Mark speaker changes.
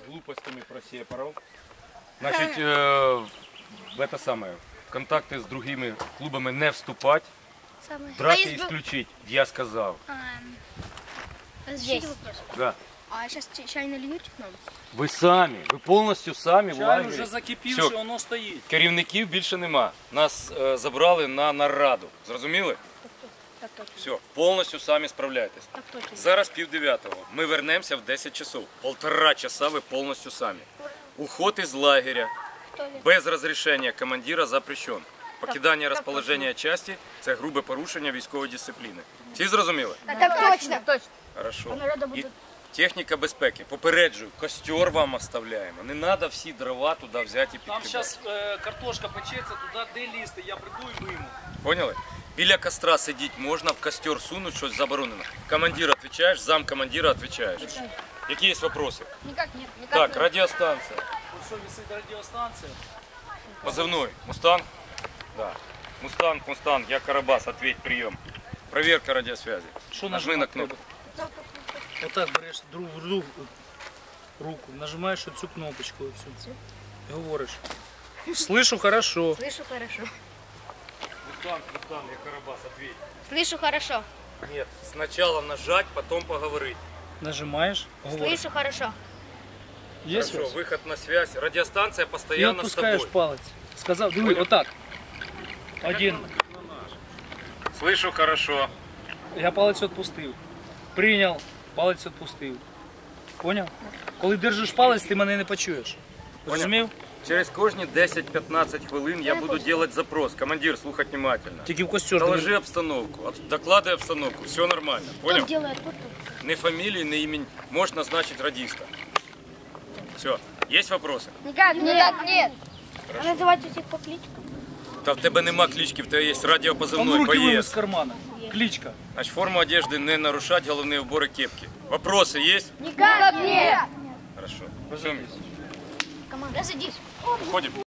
Speaker 1: глупостями про сепаров. Значит, в это самое, в контакты с другими клубами не вступать, драки исключить, я сказал.
Speaker 2: Разрешите вопрос?
Speaker 1: Да.
Speaker 2: А сейчас чай нальют нам?
Speaker 1: Ви самі, ви повністю самі в
Speaker 3: Чай
Speaker 1: лагері.
Speaker 3: вже закипівши,
Speaker 1: Все.
Speaker 3: воно стоїть.
Speaker 1: Керівників більше нема. Нас забрали на нараду. Зрозуміли?
Speaker 2: Так точно.
Speaker 1: Все, повністю самі справляєтесь.
Speaker 2: Так точно.
Speaker 1: Зараз 9:30. Ми вернемося в 10 часов. 1,5 часа ви повністю самі. Уход із лагеря без розрішення командира запрещен. Покидання розположення частини – це грубе порушення військової дисципліни. Всі зрозуміли?
Speaker 2: Так точно.
Speaker 1: Хорошо. І техніка безпеки. Попереджую, костер вам оставляємо. Не треба всі дрова туди взяти і
Speaker 3: Там
Speaker 1: підкидати.
Speaker 3: зараз картошка печеться, туди де лізти, я прийду і вийму.
Speaker 1: Поняли? Біля костра сидіти можна, в костер сунуть, щось заборонено. Командир відповідаєш, зам командира відповідаєш. Які є вопроси?
Speaker 2: Никак нет. Никак
Speaker 1: Так,
Speaker 2: нет.
Speaker 1: радіостанція.
Speaker 3: Ось що висить радіостанція.
Speaker 1: Позывной. Мустанг? Да. Мустанг, я Карабас, ответь, прием. Проверка радиосвязи.
Speaker 3: Що
Speaker 1: Нажми на
Speaker 3: нажимати
Speaker 1: кнопку.
Speaker 3: Отак береш руку, нажимаєш оцю кнопочку оцю. І говориш. Слышу хорошо.
Speaker 2: Слышу хорошо.
Speaker 1: Мустанг, я Карабас, ответь.
Speaker 2: Слышу хорошо.
Speaker 1: Нет, сначала нажать, потом поговорить.
Speaker 3: Нажимаєш, говориш.
Speaker 2: Слышу хорошо.
Speaker 3: Є
Speaker 1: Хорошо,
Speaker 3: связь?
Speaker 1: выход на связь. Радиостанция
Speaker 3: Ти
Speaker 1: постоянно с
Speaker 3: відпускаєш
Speaker 1: тобой.
Speaker 3: палець. Сказав, диви, отак. Один.
Speaker 1: Слышу хорошо.
Speaker 3: Я палець відпустив. Прийняв, палець відпустив. Поняв? Коли держиш палець, ти мене не почуєш. Розумів?
Speaker 1: Через кожні 10-15 хвилин я буду делать запрос. Командир, слухать внимательно.
Speaker 3: Тільки в костер.
Speaker 1: Доложи обстановку, докладывай обстановку, все нормально, понял?
Speaker 2: Делает
Speaker 1: Ни фамилии, ни имени, можешь назначить радиста. Все, есть вопросы?
Speaker 2: Никак нет. А называть всех по кличкам?
Speaker 1: Та в тебе нема клички, в тебе є
Speaker 3: Он
Speaker 1: радіопозивний
Speaker 3: руки вынес
Speaker 1: боєць.
Speaker 3: з кармана. Кличка.
Speaker 1: Значить, форму одежды не нарушать, головні убори кепки. Вопросы есть?
Speaker 2: Никак нет.
Speaker 1: Хорошо. Все,
Speaker 2: Команда, садись.
Speaker 1: уходим.